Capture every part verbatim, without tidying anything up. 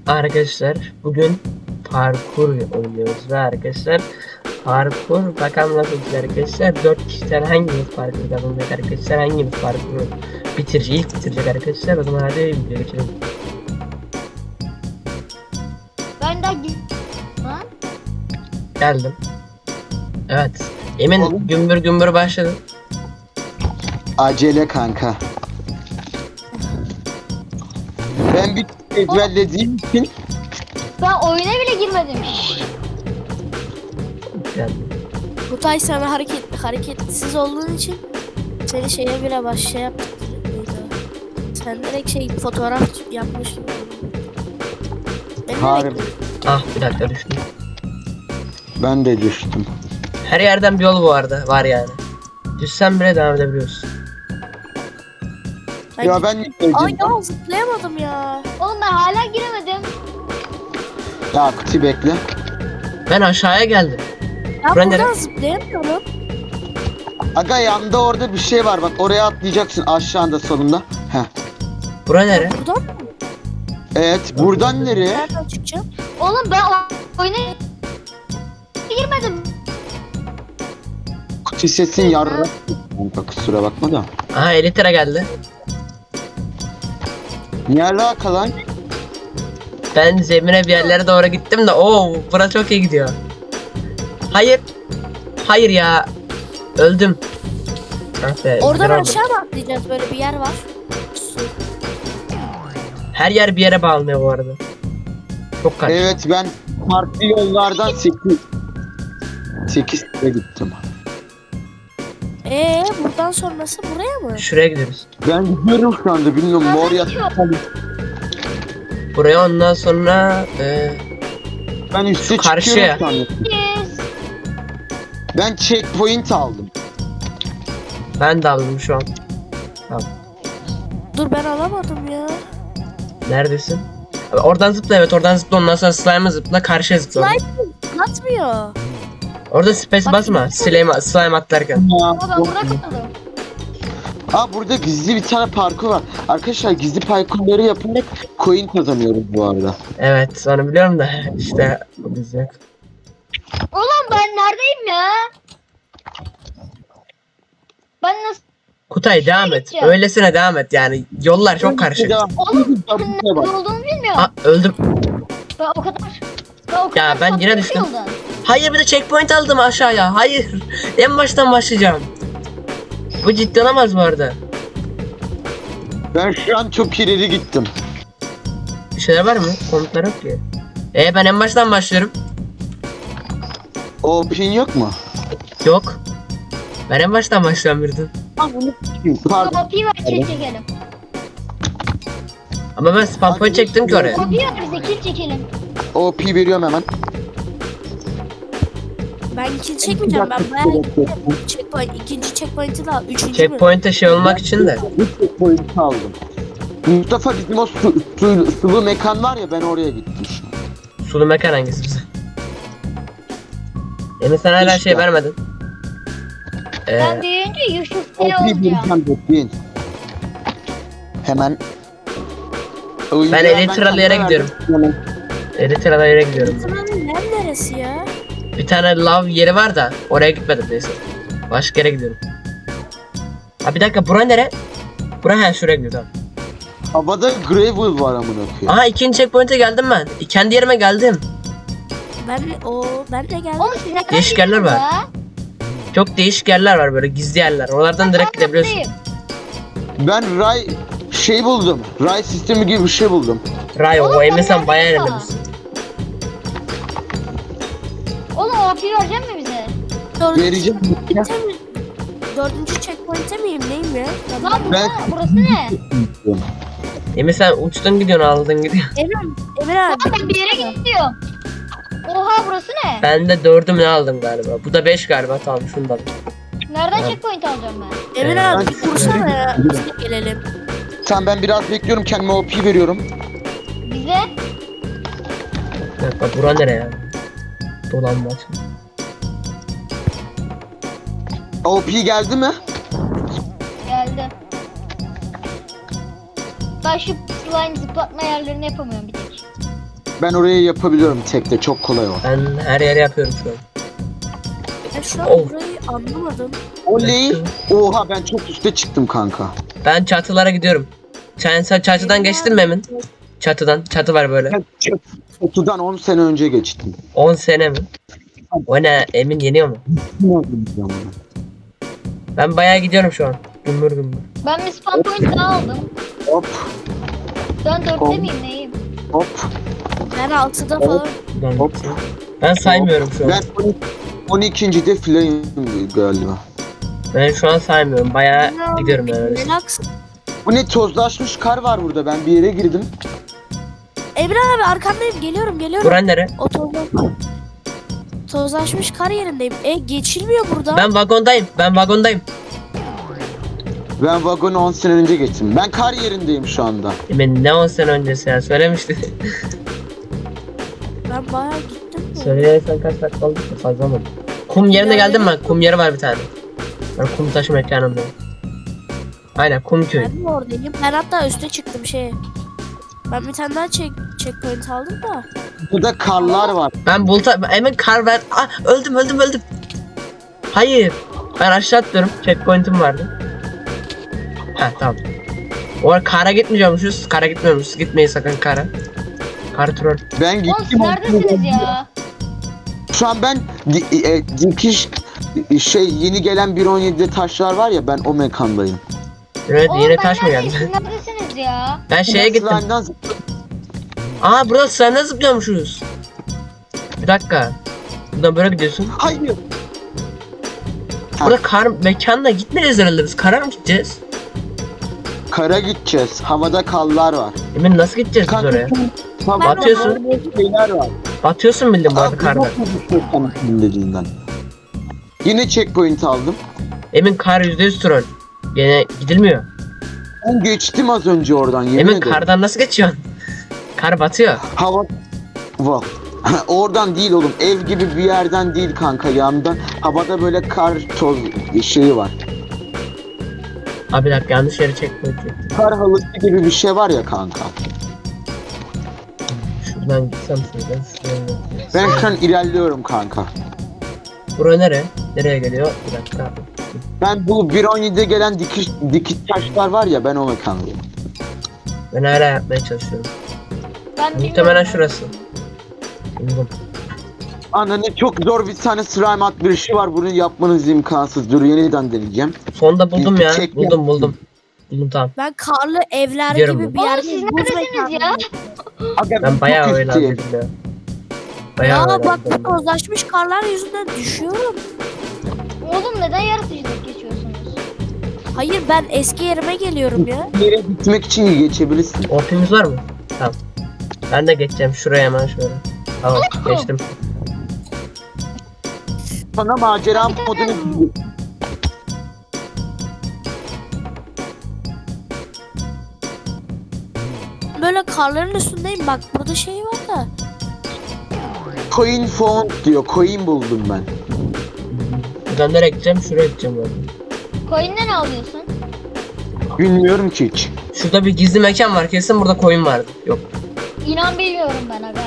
Arkadaşlar bugün parkur oynuyoruz ve arkadaşlar parkur bakalım nasıl olacak arkadaşlar. Dört kişiden hangimiz parkur kazanacak arkadaşlar, hangimiz parkuru bitirecek, ilk bitirecek arkadaşlar. O zaman hadi video geçelim. Ben de Lan. Geldim. Evet, Emin Oğlum. gümbür gümbür başladı. Acele kanka. Ben bir ezberlediğim için Ben oyuna bile girmedim. Geldim. Kutay sana hareket hareketsiz olduğun için seni şeye bile baş şey yaptık. Sen direkt şey fotoğraf yapmışsın. Ben harbi direkt Ah bir dakika düştüm. ben de düştüm. Her yerden bir yol bu arada var yani. Düşsen bile devam edebiliyorsun. ben Ya ben Ay ya zıplayamadım ya. Oğlum ben hala giremedim. ya Kuti bekle. Ben aşağıya geldim. Ben Buradan buradan nereye? zıplayamıyorum. Aga yanda orada bir şey var bak, oraya atlayacaksın aşağıda sonunda. Heh. Bura nere? Buradan mı? Evet, buradan nereye? Nereden çıkacağım? Oğlum ben o- oyuna girmedim. Kuti sesin yarra. Kanka kusura bakma da. Aha Elytra geldi. Ne alaka lan? Ben zemine bir yerlere doğru gittim de ooo bura çok iyi gidiyor. Hayır. Hayır ya. Öldüm. Ah be, Oradan güzel oldu. aşağı mı atlayacağız? Böyle bir yer var. Su. Her yer bir yere bağlanıyor bu arada. Çok kaç. Evet, ben farklı yollardan sekiz sekiz kere gittim. Ee buradan sonrası buraya mı? Şuraya gidiyoruz. Ben gidiyorum şu anda, bilmiyorum mor Nereden yat. çıkıyor? Buraya ondan sonra e, Ben üste Karşıya. çıkıyorum şu anda. Yes. Ben checkpoint aldım. ben de aldım şu an. Dur ben alamadım ya. Neredesin? Abi oradan zıpla, evet oradan zıpla, ondan sonra slime'a zıpla, karşıya zıpla. Slime atmıyor. Orada space Bak, basma slime, slime atlarken. Ama ben burada kaldım. Aa, burada gizli bir tane parkur var. Arkadaşlar gizli parkurları yaparak coin kazanıyoruz bu arada. Evet onu biliyorum da işte bu biz yok. Oğlum ben neredeyim ya? Ben nasıl... Kutay devam et. gideceğim? Öylesine devam et yani. Yollar çok karışık. Devam. Oğlum ben Buraya nerede bak. olduğumu bilmiyorum. Aa öldüm. Ben o kadar... Ben o kadar Ya ben yine saptım düştüm. yoldan. Hayır bir de checkpoint aldım aşağıya. Hayır. En baştan başlayacağım. Bu ciddi olamaz bu arada. Ben şu an çok ileri gittim. Bir şeyler var mı? Komutlar yok ki. Ee ben en baştan başlıyorum. O pin yok mu? Yok. Ben en baştan başlıyorum birden. Pardon. Kapıyı ver kill çekelim. Ama ben spam point çektim ki oraya. Kapıyı ver bize kill çekelim. O P veriyorum hemen. Ben kill çekmeyeceğim. Ben bayağı checkpoint, ikinci checkpoint'i de al. Üçüncü mü? Checkpoint'e şey olmak için de. Bu checkpoint'i aldım. Mustafa, bizim o su, su, sulu mekan var ya, ben oraya gittim şu an. Sulu mekan hangisi bize? Emin sen hala şey İşte. vermedin. Ee, Ben büyüyünce Yusuf O ne P olacağım? vereceğim, bekleyin. Hemen. Oyuncağı Ben Elytra'lı yere kendime gidiyorum. verdim. Elytra'da yere gidiyorum. Buranın yer neresi ya? Bir tane love yeri var da oraya gitmedim neyse. Başka yere gidiyorum. Ha bir dakika bura nere? Bura he şuraya gidiyor tamam. Havada gravel var amına koyayım. Aha ikinci checkpoint'e geldim ben. Kendi yerime geldim. Ben o ben de geldim. Oğlum siz nereden Değişik yerler gidiyorsunuz var. ya? Çok değişik yerler var böyle gizli yerler. Oralardan direkt gidebiliyorsun. Buradayım. Ben ray şey buldum. Ray sistemi gibi bir şey buldum. Rayo Oğlum o sen Emin sen nereden bayağı ya? ilerlemişsin. Oğlum o kapıyı verecek mi bize? Dördüncü Vereceğim. checkpoint'e mi? Dördüncü checkpoint'e miyim neyim ya? Lan bu Ben- burası ne? Emin sen uçtun gidiyorsun aldın gidiyorsun. Emir, Emir Lan abi. ben bir yere gidiyorum. Oha burası ne? Ben de dördüm ne aldım galiba. Bu da beş galiba tamam şunu da. Nereden Evet. checkpoint alacağım ben? Emir Ee, abi ben- bir kursana ya. Biz de gelelim. Tamam, ben biraz bekliyorum, kendime O P veriyorum. Bize? Bir dakika bura nere ya? Dolanmaç. O P geldi mi? Geldi. Ben şu slime zıplatma yerlerini yapamıyorum bir tek. Ben oraya yapabiliyorum tekte, çok kolay o. Ben her yere yapıyorum şu an. Ben şu an Oh. burayı anlamadım. Oley! Oha, ben çok üste çıktım kanka. Ben çatılara gidiyorum. Sen, sen çatıdan geçtin mi Emin? Çatıdan. Çatı var böyle. Ben çatıdan on sene önce geçtim. on sene mi? O ne? Emin yeniyor mu? Ben bayağı gidiyorum şu an. Gümbür gümbür. Ben bir spawn point daha aldım. Hop Ben dörtte Oh. miyim neyim? hop. Ben altıda falan. Ben, Hop. ben saymıyorum şu an. Ben on ikincide filayım galiba. Ben şu an saymıyorum. Bayağı gidiyorum ben öyle. Relax. Bu ne, tozlaşmış kar var burada, ben bir yere girdim. Emre abi arkandayım, geliyorum geliyorum. Buran nere? O tozla- tozlaşmış kar yerindeyim. E geçilmiyor burada. Ben vagondayım. Ben vagondayım. Ben vagonu on sene önce geçtim. Ben kar yerindeyim şu anda. Emin ne on sene öncesi ya söylemişti. Ben bayağı gittim. de. Söyleyersen kaç dakika oldu ki fazla mı? Kum yerine geldim ben. Kum yeri var bir tane. Ben kum taşı mekanındayım. Aynen kum köyü. Ben de oradayım. Ben hatta üste çıktım şey. Ben bir tane daha check, checkpoint aldım da. Burada karlar var. Ben bulta Emin kar ver. Ah, öldüm öldüm öldüm. Hayır. Ben aşağı atlıyorum. Checkpoint'im vardı. Ha tamam. O ara kara gitmeyeceğimmişiz. Kara gitmiyormuşuz. Gitmeyin sakın kara. Kar troll. Ben Oğlum siz gittim. neredesiniz ya? Şu an ben di- e, dikiş şey yeni gelen bir on yedide taşlar var ya, ben o mekandayım. Evet Oğlum yine ben taş mı neredeyim? geldi? Siz neredesiniz ya? Ben şeye gittim. Slime'dan zıp- Aa burada sırayla zıplıyormuşuz. Bir dakika. Buradan böyle gidiyorsun. Hayır. Ha, Burada kar mekanına gitmeyeceğiz herhalde biz. Kara mı gideceğiz? kara gideceğiz. Havada karlar var. Emin nasıl gideceğiz biz Kanka, oraya? havada Batıyorsun. şeyler var. Batıyorsun bildim bu arada Aa, karda. bu nasıl bir dediğinden. Yine checkpoint aldım. Emin kar yüzde yüz troll. Gene gidilmiyor. Ben geçtim az önce oradan, yemin Emin ederim. kardan nasıl geçiyorsun? Kar batıyor. Hava... Wow. Oradan değil oğlum, ev gibi bir yerden değil kanka, yandan. Havada böyle kar toz şeyi var. Abi bir dakika yanlış yere checkpoint çektim. Kar halısı gibi bir şey var ya kanka. Şuradan gitsem şuradan şuradan. Ben şu an ilerliyorum kanka. Bura nere? Nereye geliyor? Bir dakika. Ben bu bir on yedide gelen dikiş, dikiş taşlar var ya, ben o mekandayım. Ben hala yapmaya çalışıyorum. Ben Muhtemelen bilmiyorum. şurası. Buldum. Ananı çok zor bir tane slime atlayışı var, bunu yapmanız imkansız. Dur, yeniden deneyeceğim. Sonunda buldum ya. Çek- Buldum buldum. Buldum tamam. Ben karlı evler Gidiyorum gibi ben. bir Oğlum yerde. siz buz neredesiniz ya? mekanındayım. Aga, Ben bayağı çok oynandım üstteyim. ya. Bayağı Ya bak oynandım. bu tozlaşmış karlar yüzünden düşüyorum. Oğlum neden yaratıcılık geçiyorsunuz? Hayır ben eski yerime geliyorum ya. Bir yere gitmek için geçebilirsin. Orpimiz var mı? Tamam. Ben de geçeceğim şuraya hemen şöyle. Tamam geçtim. Sana macera modunu... Böyle karların üstündeyim bak burada şey var da. Coin found diyor, coin buldum ben. Buradan nereye gideceğim? Şuraya gideceğim ben. Coin'den ne alıyorsun? Bilmiyorum ki hiç. Şurada bir gizli mekan var. Kesin burada koyun vardı. Yok. İnan bilmiyorum ben aga.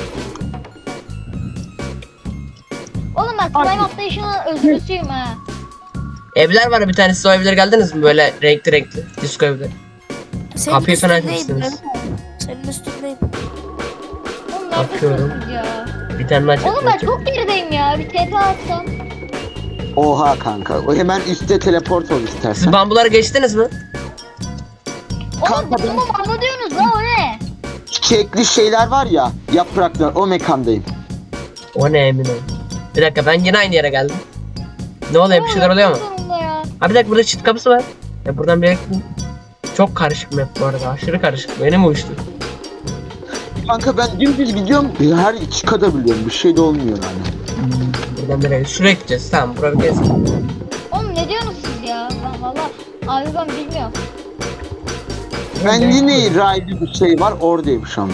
Oğlum ben slime atlayışının özürlüsüyüm ha. Evler var bir tane. Siz o evlere geldiniz mi? Böyle renkli renkli. Disco evleri. Senin Kapıyı falan üstündeyim. açmışsınız. ben. Senin üstündeyim. Oğlum Bakıyorum. neredesiniz siz ya? Bir tane daha Oğlum ben çektim. çok gerideyim ya. Bir T P atsam. Oha kanka. O hemen üstte teleport ol Siz istersen. bambuları geçtiniz mi? Oğlum Kanka ben- tamam ama diyorsunuz la o ne? Çiçekli şeyler var ya, yapraklar, o mekandayım. O ne emin ol. Bir dakika ben yine aynı yere geldim. Ne oluyor bir şeyler oluyor mu? Sonunda ya. Ha bir dakika burada çift kapısı var. Ya buradan bir yere gittim. Çok karışık map bu arada. Aşırı karışık. Benim uyuştu. Kanka ben dümdüz gidiyorum, her çıkabiliyorum, bir şey de olmuyor yani. Buradan bir yere. Şuraya gideceğiz. Tamam buraya bir kez. Oğlum ne diyorsunuz siz ya? Ben valla abi ben bilmiyorum. Ben yine raylı bir şey var, oradayım şu anda.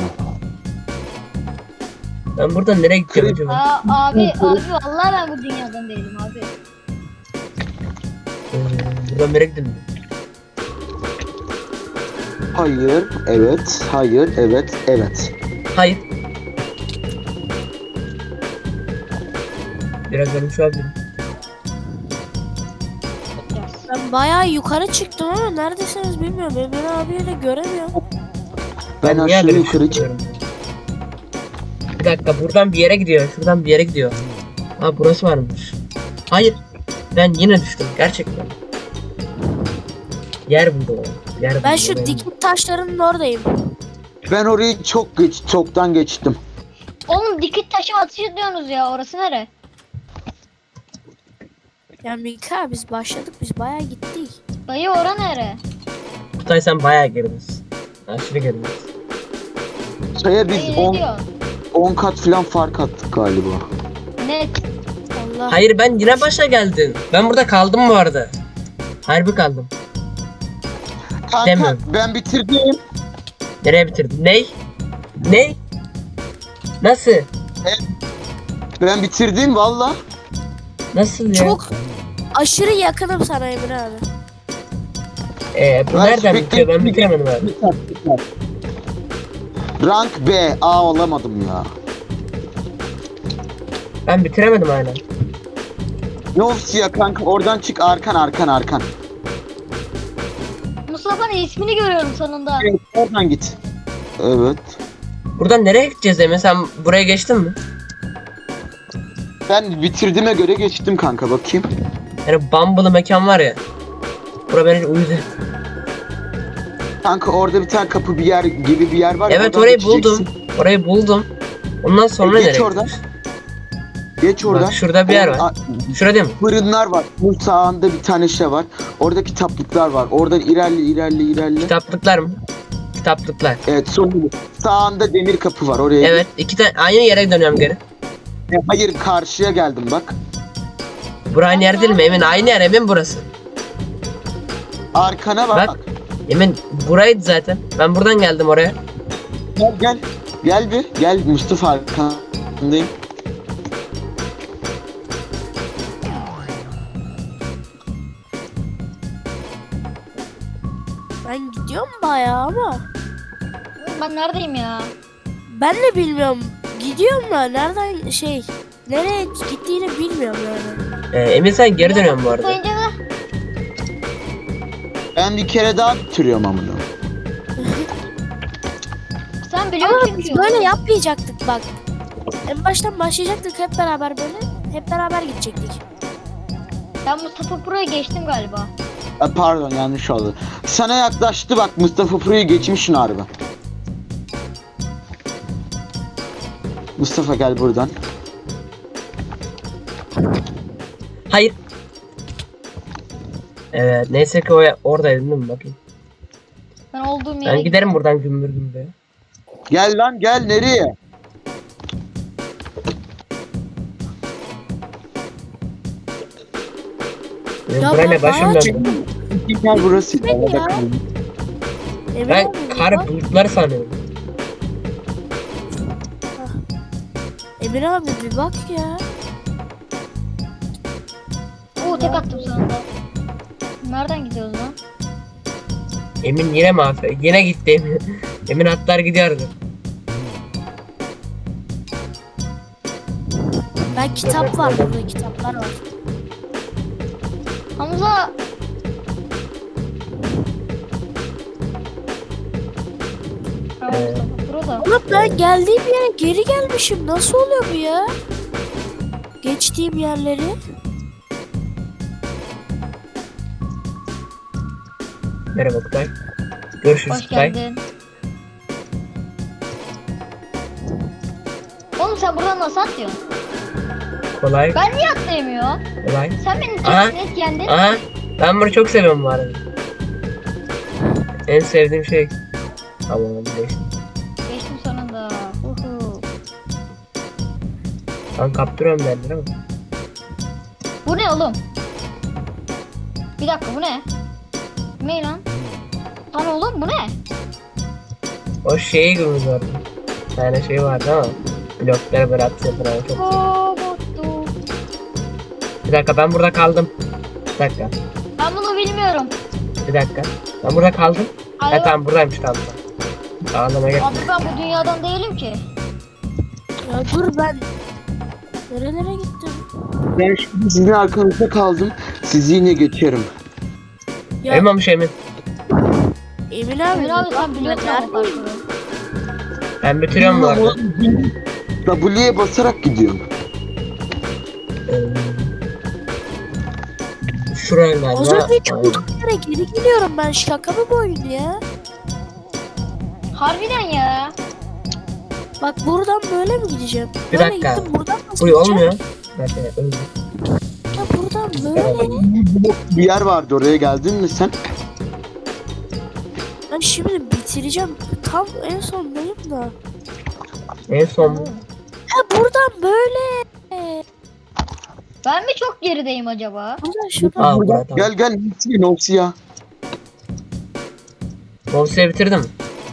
Ben buradan nereye gideceğim Krep- acaba? Aa, abi abi vallahi ben bu dünyadan değilim abi. Ee, buradan nereye gidelim? Hayır, evet, hayır, evet, evet. Hayır. Biraz ölmüş olabilirim. Biraz. Ben bayağı yukarı çıktım ama neredesiniz bilmiyorum. Emre abiyi de göremiyorum. Ben niye aşağı böyle yukarı çıkıyorum? Bir dakika buradan bir yere gidiyor. Şuradan bir yere gidiyor. Ha burası varmış. Hayır. Ben yine düştüm gerçekten. Yer buldu o. Yer Ben buldu, şu benim. dikit taşlarının oradayım. Ben orayı çok geç, çoktan geçtim. Oğlum dikit taşı ateş ediyorsunuz ya. Orası nere? Ya Mika biz başladık biz bayağı gittik. Dayı ora nere? Kutay sen bayağı girdiniz. Aşırı girdiniz. Şeye biz Dayı ne on diyor? on kat falan fark attık galiba. Net. Allah. Hayır ben yine başa geldim. Ben burada kaldım bu arada. Harbi kaldım. Kanka Demiyorum. ben bitirdim. Nereye bitirdin? Ney? Ney? Nasıl? Ben bitirdim valla. Nasıl ya? Çok aşırı yakınım sana Emre abi. Ee, bu Ben nereden sürekli- bitiyor? Ben bitiremedim abi. Biter, biter. Rank B. A olamadım ya. Ben bitiremedim hala. Ne olsun ya kanka oradan çık arkan arkan arkan. Mustafa'nın ismini görüyorum sonunda. Evet oradan git. Evet. Buradan nereye gideceğiz Emre? Sen buraya geçtin mi? Ben bitirdiğime göre geçtim kanka bakayım. Yani Bumble'lı mekan var ya. Bura beni uyudu. Kanka orada bir tane kapı bir yer gibi bir yer var. ya, Evet oradan orayı geçeceksin. buldum. Orayı buldum. Ondan sonra E, geç nereye oradan. gideceğiz? Geç oradan. Bak şurada bir yer var. A- Şurada değil mi? Fırınlar var. Bu sağında bir tane şey var. Orada kitaplıklar var. Oradan ilerle ilerle ilerle. Kitaplıklar mı? Kitaplıklar. Evet sonunda sağında demir kapı var oraya. Evet iki tane aynı yere dönüyorum geri. git. E, Hayır karşıya geldim bak. Bura aynı yer değil mi? Emin aynı yer Emin burası. Arkana bak. Bak. Emin buraydı zaten. Ben buradan geldim oraya. Gel gel. Gel bir. Gel Mustafa arkandayım. Ben gidiyorum bayağı ama. Ben neredeyim ya? Ben de bilmiyorum. Gidiyorum da nereden şey nereye gittiğini bilmiyorum yani. Ee, Emin sen geri dönüyorsun bu arada. Sayınca da Ben bir kere daha bitiriyorum amına. sen biliyor Ama musun biz ki? böyle yapmayacaktık bak. En baştan başlayacaktık hep beraber böyle. Hep beraber gidecektik. Ben Mustafa Pro'ya geçtim galiba. E, pardon yanlış oldu. Sana yaklaştı bak Mustafa Pro'yu geçmişsin harbi. Mustafa gel buradan. Hayır. Evet neyse ki o oradaydım değil mi bakayım. Ben olduğum yere Ben giderim buradan gümbür gümbür. Gel lan gel nereye? Benim Ya buraya ben ne başım bayağı döndü. Gel burası. Ben Arada ya. kaldım. Emre Ben abi, bir kar bak. bulutları sanıyorum. Emre abi bir bak ya. Oo tek attım sonunda. Nereden gidiyoruz lan? Emin yine mi aferin? Yine gitti Emin. Emin atlar gidiyordu. Ben kitap var burada kitaplar var. Hamza. Ha, Ee, Mustafa Pro da. Ama ben geldiğim yere geri gelmişim. Nasıl oluyor bu ya? Geçtiğim yerleri. Merhaba Kutay. Görüşürüz Hoş Kutay. geldin. Oğlum sen buradan nasıl atlıyorsun? Kolay Ben niye atlayamıyorum? kolay. Sen beni Aha. çok net yendin. Aha ben bunu çok seviyorum bu arada. En sevdiğim şey. Allah'ım geçtim. Geçtim sonunda. Uhu. Ben kaptırıyorum derler ama. Bu ne oğlum? Bir dakika bu ne? Bu ne lan? Lan oğlum bu ne? O şeyi gibi vardı. Bir tane şey vardı ama. Blokları böyle atıyor falan çok seviyorum. Robotu. Bir dakika ben burada kaldım. Bir dakika. Ben bunu bilmiyorum. Bir dakika. Ben burada kaldım. Alo. Ha tamam buradaymış tamam. tamam. Ağlama gel. Abi ben bu dünyadan değilim ki. Ya dur ben. Nerelere gittim? Ben şimdi sizin arkanızda kaldım. Sizi yine geçerim. Ya Eyvallah Emin. Emin abi. Emir abi sen biliyorsun ama Neredeyim? parkuru. Ben bitiriyorum bu arada. W'ye basarak gidiyorum. Ee, Şuraya Az galiba. önceki olduğum yere geri geliyorum ben. Şaka mı bu oyun ya? Harbiden ya. Bak buradan böyle mi gideceğim? Bir Böyle dakika. gittim, buradan nasıl Buraya gideceğim? olmuyor. Bir dakika, öldü. Ya buradan böyle. Bir yer vardı, oraya geldin mi sen? Ben şimdi bitireceğim. Tam en sondayım da. En son Ha buradan böyle. Ben mi çok gerideyim acaba? Buradan şuradan. Aa, burada, tamam. Gel gel, Nopsi Nopsi ya. Mobsa'yı bitirdim.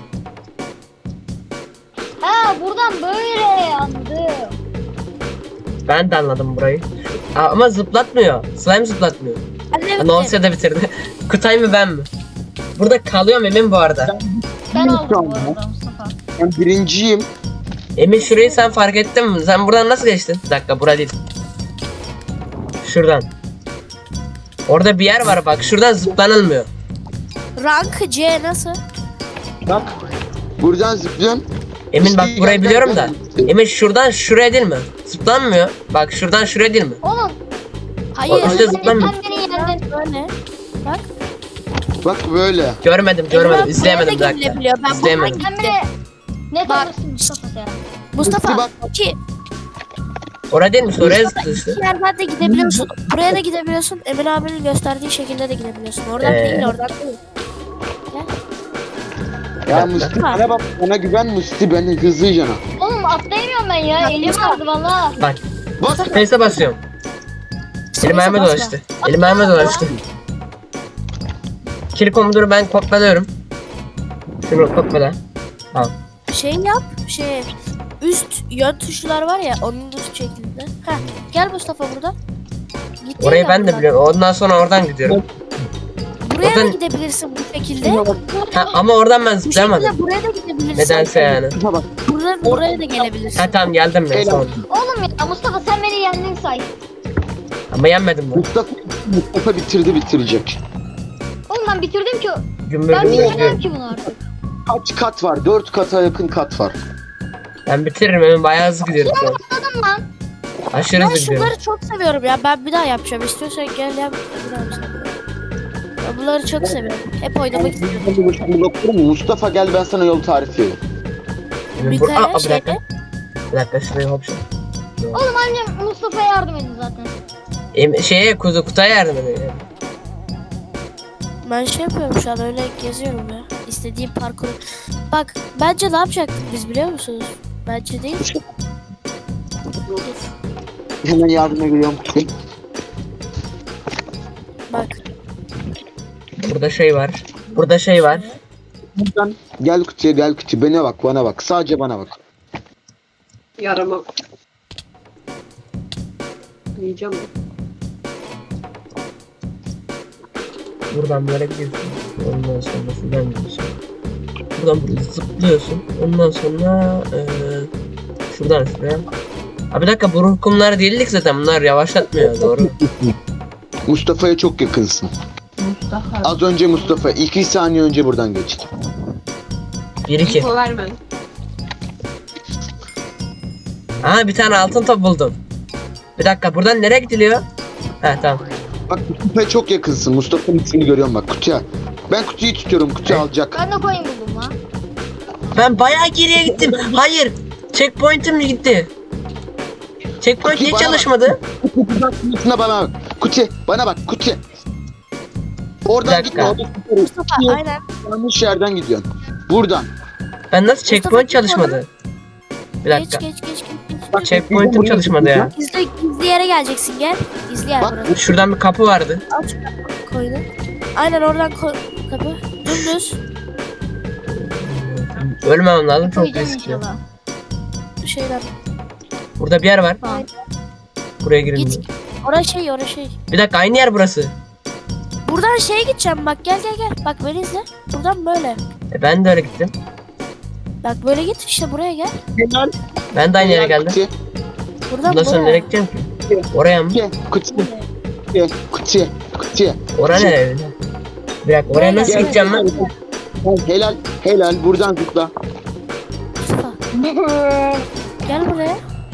Ha buradan böyle anladım. Ben de anladım burayı. Aa, ama zıplatmıyor. Slime zıplatmıyor. Annem Mobsa da bitirdi. Kutay mı ben mi? Burada kalıyorum Emin bu arada. Ben Yok aldım bu ama. arada Mustafa. Ben birinciyim. Emin şurayı sen fark ettin mi? Sen buradan nasıl geçtin? Bir dakika, bura değil. Şuradan. Orada bir yer var bak. Şuradan zıplanılmıyor. rank C nasıl? Bak. Buradan zıplıyorsun. Emin bak İşte burayı gel, biliyorum gel, da. gel. Emin şuradan şuraya değil mi? Zıplanmıyor. Bak şuradan şuraya değil mi? Oğlum Hayır. O- işte sen, zıplamıyor. sen beni yendin. Böyle. Bak. Bak böyle. Görmedim görmedim. Ben İzleyemedim bir buraya da dakika. gidilebiliyor. Ben İzleyemedim. Sen beni ne Bak. tanırsın Mustafa sen? Mustafa Bak. iki, Oraya değil mi? Oraya Mustafa zıplıyor işte. iki yerden de gidebiliyorsun. Buraya da gidebiliyorsun. Emin abinin gösterdiği şekilde de gidebiliyorsun. Oradan Ee. değil, oradan değil. Ya Musti bana bak, bana güven Musti, beni hızlı cana. Oğlum atlayamıyorum ben ya. Elim vardı valla. Bak. Bak. Space'e basıyorum. Elim ayağıma basma. dolaştı. Elim ayağıma dolaştı. Kill komutunu ben kopyalıyorum. Şunu kopyala. Tamam. Şey yap, şey üst yön tuşlar var ya, onun üst şeklinde. Heh, gel Mustafa burada. Git Orayı ya ben de buradan. biliyorum. Ondan sonra oradan gidiyorum. Buraya da Oradan- gidebilirsin bu şekilde. Ha, ama oradan ben Bu zıplayamadım. şekilde buraya da gidebilirsin. Nedense yani. Bak. Buraya, buraya da gelebilirsin. Ha tamam geldim ben Helal. sonra. Oğlum ya Mustafa sen beni yendin say. Ama yenmedim ben. Mustafa, Mustafa bitirdi, bitirecek. Oğlum ben bitirdim ki. Gümbür Ben gümbür bitiremem gidiyorum. ki bunu artık. Kaç kat var? Dört kata yakın kat var. Ben bitiririm hemen, bayağı hızlı gidiyorum şu an. Atladım lan. Aşırı Ben hızlı gidiyorum. şunları çok seviyorum ya. Ben bir daha yapacağım. İstiyorsan gel yap. Bir daha yapacağım. Ben bunları çok seviyorum. Hep oynamak istiyorum. Mustafa gel, ben sana yol tarifi vereyim. Emin Bir bur- Aa, tane bir dakika. şeyde. Bir dakika şuraya hop şu. Oğlum annem Mustafa'ya yardım edin zaten. Em şeye kuzu kutaya yardım ediyor. Ben şey yapıyorum şu an, öyle geziyorum ya. İstediğim parkuru. Bak bence ne yapacaktık biz biliyor musunuz? Bence değil. Dur. Hemen yardıma geliyorum. Bak. Burada şey var. Burada şey var. Buradan gel kutuya, gel kutuya. Bana bak, bana bak. Sadece bana bak. Yaramam. Yiyeceğim mi? Buradan böyle gidiyorsun. Ondan sonra şuradan gidiyorsun. Buradan buraya zıplıyorsun. Ondan sonra eee şuradan şuraya. Abi bir dakika, bu ruh kumları değildik zaten. Bunlar yavaşlatmıyor, doğru. Mustafa'ya çok yakınsın. Mustafa. Az önce Mustafa, iki saniye önce buradan geçti. bir iki. İpo verme. Aa, bir tane altın top buldum. Bir dakika, buradan nereye gidiliyor? Ha tamam. Bak Mustafa'ya çok yakınsın. Mustafa'nın ismini görüyorum bak, kutuya. Ben kutuyu tutuyorum, kutuyu alacak. Ben de coin buldum lan. Ben bayağı geriye gittim. Hayır. Checkpoint'im gitti. Checkpoint niye Bana bak. çalışmadı? Kutusuna bana bak. Kutu, bana bak, kutu. Oradan Bir dakika. gitme, orada Mustafa aynen. yanlış yerden gidiyorsun. Buradan. Ben nasıl checkpoint çalışmadı? Bir Geç dakika. geç geç geç. geç. Bak Checkpoint'im çalışmadı ya. Gizli, gizli yere geleceksin gel. Gizli yer Bak. burası. Şuradan bir kapı vardı. Aç koyunu. Aynen oradan koy kapı. Dümdüz. Ölmemem lazım, çok Koyacağım riskli. inşallah. Şeyden. Burada bir yer var. Tamam. Buraya girin. Git. Orası şey orası şey. Bir dakika, aynı yer burası. Buradan şeye gideceğim bak gel gel gel. Bak beni izle. Buradan böyle. E, ben de öyle gittim. Bak böyle git işte buraya gel. Ben de aynı yere geldim. Kutu. Buradan Bundan sonra buraya. nereye gideceğim ki? Oraya mı? Gel kutuya. Gel kutuya. Kutuya. Oraya nereye öyle? Bir dakika oraya nasıl Gel, gideceğim gel, ben? gel. Helal helal buradan zıpla. Mustafa. Gel buraya.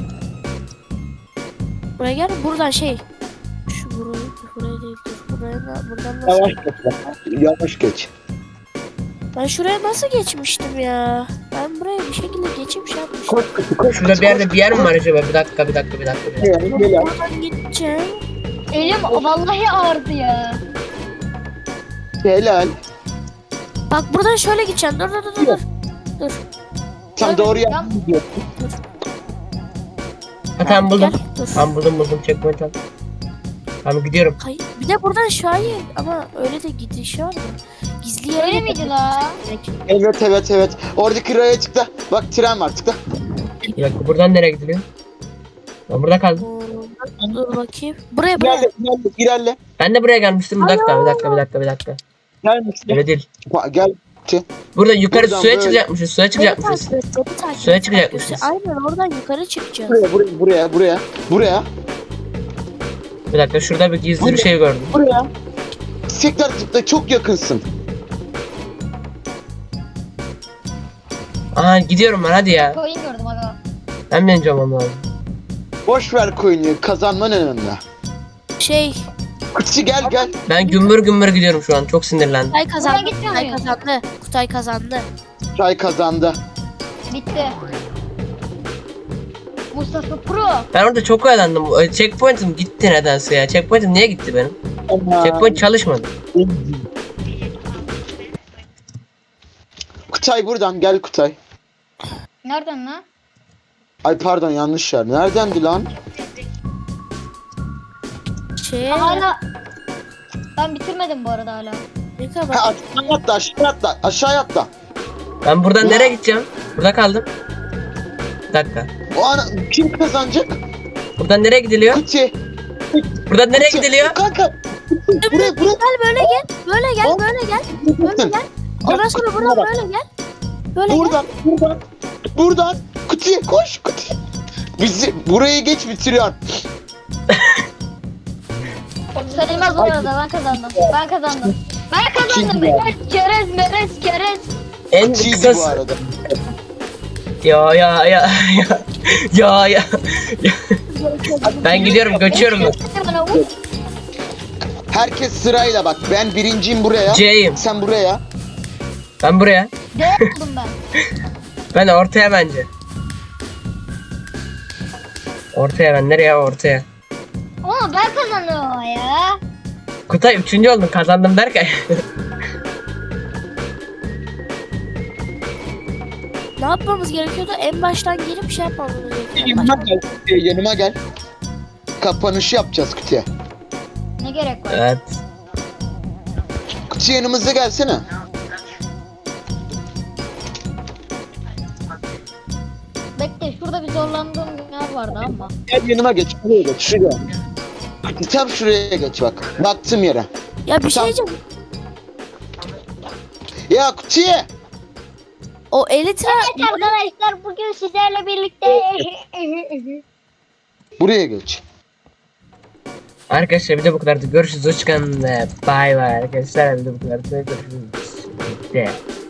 Buraya gel. Buradan şey. Şu burayı, buraya değil. Dur. Buraya da, buradan nasıl? Yavaş geç. bak, Yavaş geç. Ben şuraya nasıl geçmiştim ya? Ben buraya bir şekilde geçip şey yapmıştım. Koş kutu koş. Şurada bir yerde bir yer mi var acaba? Bir dakika bir dakika bir dakika. Bir dakika. Helal helal. Buradan gideceğim. Elim vallahi ağrıdı ya. Helal. Bak buradan şöyle gideceğim. Dur dur dur dur. Dur. Sen doğru Ya- yaptın. Ha tamam buldum. Gel, dur. Tamam buldum buldum checkpoint al. Tamam gidiyorum. Hayır. Bir de buradan şahin ama öyle de gidiş var mı? Gizli yere Öyle miydi la? gitmek. Evet evet evet. Oradaki raya tıkla. Bak tren var tıkla. Bir dakika buradan nereye gidiliyor? Ben burada kaldım. Oo, dur bakayım. Buraya buraya. İlerle ilerle ilerle. Ben de buraya gelmiştim. Bir dakika bir dakika bir dakika bir dakika. Gel Mustafa. Öyle değil. Bak, Gel. Burada yukarı Buradan suya böyle. çıkacakmışız. Suya Beni çıkacakmışız. takip et, beni takip Suya et. çıkacakmışız. Aynen oradan yukarı çıkacağız. Buraya buraya buraya buraya. Buraya. Bir dakika şurada bir gizli bir şey gördüm. Buraya. Tekrar zıpla çok yakınsın. Aha gidiyorum ben hadi ya. Coin gördüm aga. Ben bineceğim ama lazım. Boş ver coin'i kazanman önemli. Şey, Kutucu gel gel. Ben gümbür gümbür gidiyorum şu an. Çok sinirlendim. Kutay kazandı. Buradan gitmiyor Kutay muyuz? kazandı. Kutay kazandı. Çay kazandı. Bitti. Mustafa Pro. Ben orada çok oyalandım. O checkpoint'im gitti nedense ya. Checkpoint'im niye gitti benim? Checkpoint çalışmadı. Kutay buradan gel Kutay. Nereden lan? Ay pardon yanlış yer. Neredendi lan? Şey, Hala. Ben bitirmedim bu arada hala. ne kadar Ha, aşağı atla aşağı atla aşağı atla. Ben buradan Ya. nereye gideceğim? Burada kaldım. Bir dakika. O an kim kazanacak? Buradan nereye gidiliyor? Kutuya. Buradan nereye Kutuya. gidiliyor? Kanka. Buraya buraya. Gel böyle gel. Böyle gel, Hop. böyle gel. Böyle gel. Ondan sonra buradan böyle gel. Böyle gel. Buradan buradan. Buradan. Kutuya koş kutuya. Bizi buraya geç bitiriyor. Sayılmaz bu arada ben kazandım. Ben kazandım. Ben kazandım. Kim ya? Evet, Kerez, merez, kerez. En Kutuyu bu kısası. arada. Ya ya ya ya. Ya ya. Ben gidiyorum göçüyorum ben. Bana vur. Herkes sırayla bak. Ben birinciyim buraya. C'yim. Sen buraya. Ben buraya. D oldum ben. Ben ortaya bence. Ortaya ben nereye ortaya? Ama ben kazanıyorum ya. Kutay üçüncü oldum kazandım derken. Ne yapmamız gerekiyordu? En baştan gelip şey yapmamız gerekiyordu. Yanıma gel. Kutuya, yanıma gel. Kapanışı yapacağız kutuya. Ne gerek var? Evet. Kutuya yanımıza gelsene. Bekle şurada bir zorlandığım yer vardı ama. Gel yanıma geç. Şuraya geç. Şuraya. Tam şuraya geç bak. Baktım yere. Ya bir şey Tamam. diyeceğim. Ya kutuya. O elitra Evet arkadaşlar bugün sizlerle birlikte Buraya geç. Arkadaşlar bir de bu kadardı. Görüşürüz. Hoşçakalın ve bay bay arkadaşlar. Bir de bu kadardı. Görüşürüz. Bitti.